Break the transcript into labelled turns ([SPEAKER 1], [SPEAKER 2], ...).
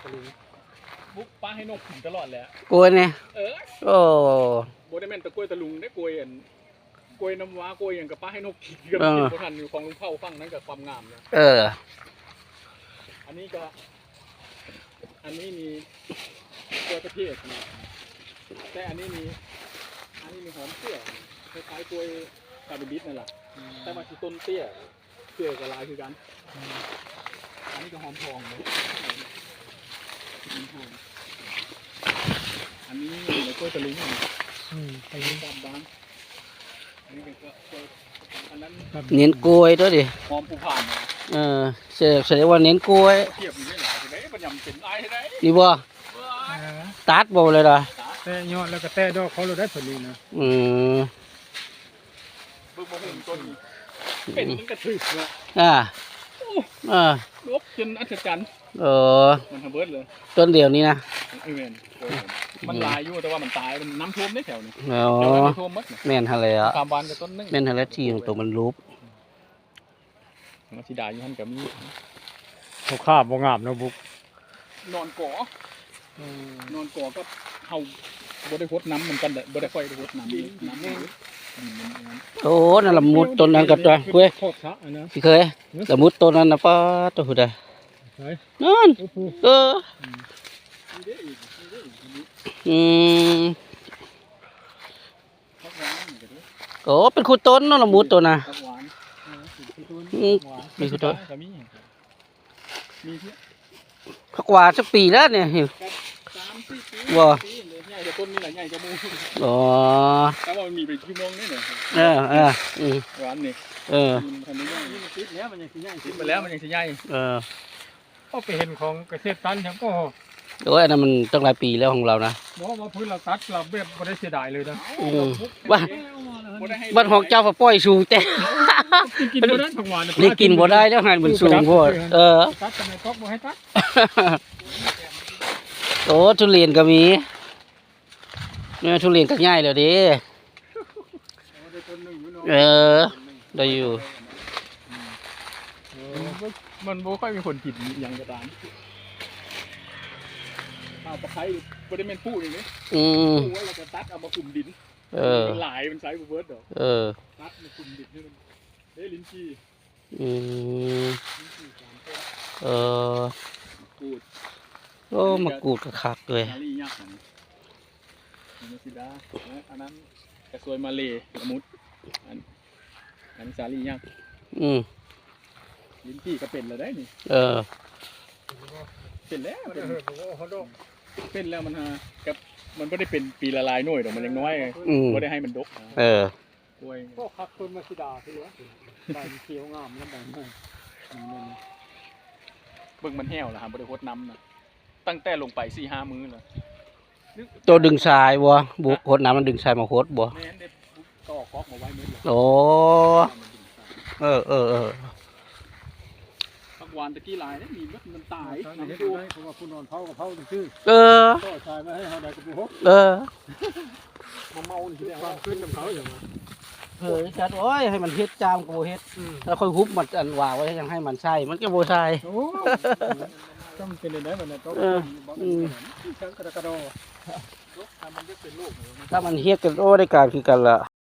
[SPEAKER 1] บุกป้าให้นกกินตลอดแหละ
[SPEAKER 2] กล้วยเนี่ยโอ้
[SPEAKER 1] โบได้แม่นตะกล้วยตะลุงได้กล้วยกล้วยน้ำว้ากล้วยอย่างกับป้าให้นกกินกับกินโบทันอยู่ของลุงเผาฟังนั้นกับความงามนะอันนี้มีกล้วยประเภทแต่อันนี้มีหอมเตี้ยคล้ายๆกล้วยคาร์บิบิสนั่นแหละแต่มาที่ต้นเตี้ยเตี้ยกับลายคือกันอันนี้ก็หอมทองเลยอันนี้ในกล้วยตะลุงตะลุงดำบางอันนี้ก็อันนั้น
[SPEAKER 2] เน้นกล้วยด้วยดิ
[SPEAKER 1] หอมผู้ผ่าน
[SPEAKER 2] แสดงว่าเน้นกล้วย
[SPEAKER 1] เทียบอยู่ไม่หลายเลยมันยำเป็นลายได้
[SPEAKER 2] ดีบ่ตัดบ่เลยล่ะ
[SPEAKER 3] แต่ยอดแล้วก็แต่ดอกเขาเราได้ผลดีนะ
[SPEAKER 1] เบิ่งบ่หุ่นต้นเป็นมันกระถึกเนาะลบจนอัศจรรย์มันทำเบิดเลย
[SPEAKER 2] ต้นเดียวนี้นะ
[SPEAKER 1] มันลายอยู่แต่ว่ามันตายมันน้ำท่วมได้แถวนี้
[SPEAKER 2] น้ำท่วมมัดแม่นทะเลอ่ะ
[SPEAKER 1] ตามบ้านกับต้นนึง
[SPEAKER 2] แม่นทะเลที่ของตัวมันรูป
[SPEAKER 1] มันสีดาอยู่หันกับมี
[SPEAKER 3] เขาข้าบงามนะบุก
[SPEAKER 1] นอนก่อก็เฮาบ่ได้พดน้ำมันกันบ่ได้ค่อยได้พดน้ำ
[SPEAKER 2] โอ้นั่นละมุดต้นนั้นกับตัวเว้ยพี่เคยละมุดต้นนั้นนะป้าตัวหุ่นใดนั่นโอ้เป็นคู่ต้นนั่นละมุดตัวน่ะมีคู่ต้นผักหวานสักปีแล้วเนี่ยว้า
[SPEAKER 1] ใหญ่จะต้นนี่แหละใหญ่จะมู
[SPEAKER 2] อ๋อ
[SPEAKER 1] แต่ว่ามันมีไปชั่วโมงนี่เนี่ยหวานนี่ทำไม่ได้ติดแล้วมันยังสิใหญ่ติดมาแล้วมันยังสิใหญ่
[SPEAKER 3] ก็ไปเห็นของเกษตรตันฉันก็
[SPEAKER 2] โอ้ยอันนั้นมันตั้งหลายปีแล้วของเรานะ
[SPEAKER 3] ว่าพื้นเราตัดเราแบบไม่ได้เสียดายเลยนะ
[SPEAKER 2] บ้านของเจ้าปล่อยสูงแต่นี่กินบ่ได้แล้วหันมันสูงโพด
[SPEAKER 3] ตัดทำไมก็บ่ให้ตัด
[SPEAKER 2] โอ้ทุเรียนก็มีเนี่ยทุเรียนก็ง่ายเลยดิได้อยู่
[SPEAKER 1] มันบ่ค่อยมีคนกินอย่างกระดานเอาตะไคร้บ่ได้แม่นผู้นี่นี่ผู้ว่าเราจะตัดเอามาคุมดินมันหลายมันใช้เบิร์ดดอกตัดมาคุมดินให้มันลิ้นจี่กูด
[SPEAKER 2] โอ้มากูดกระคักเลย
[SPEAKER 1] อันนั้นกระสวยมาเลละมุดอันสาลียักษ์ลิ้นจี่ก็เป็นแล้วได้นี่เป็นแล้วเป็นแล้วมันกับมันไม่ได้เป็นปีละลายหน่วยหรอกมันยังน้อยไม่ได้ให้มันดก
[SPEAKER 3] กล้วยก็คักต้นมาชิดาที่ว่าใบเขียวงามแล้วใบ
[SPEAKER 1] เบิ่งมันแห้วแล้วครับบริโภคน้ำนะตั้งแต่ลงไป4-5 มื้อแล้ว
[SPEAKER 2] ตัวดึงทรายบัวบุกโคตรน้ำมันดึงทรายมาโคตรบัว
[SPEAKER 1] ก็ออกก๊อกมาไว้มื้อ
[SPEAKER 2] โอ้
[SPEAKER 1] ผักหวานตะกี้ลายนี่มีมันตาย
[SPEAKER 3] น้ำท่วมเพราะว่าคุณนอนเผากับเผาชื่อก็ทรายมาให้เขาได้กับบุกมาเมาที่เรียกว่าขึ้นน้ำเขาอย่างไร
[SPEAKER 2] จัดโอ้ยให้มันเฮ็ดจามกูเฮ็ดแล้วค่อยฮุบมันอันว่าไว้ยังให้มันใช่มันก็โบใช่
[SPEAKER 3] ก็มันเป็นได้เหมือนกัน
[SPEAKER 2] ถ้ามันเฮ็ดกันโอ้ได้การคือกันละ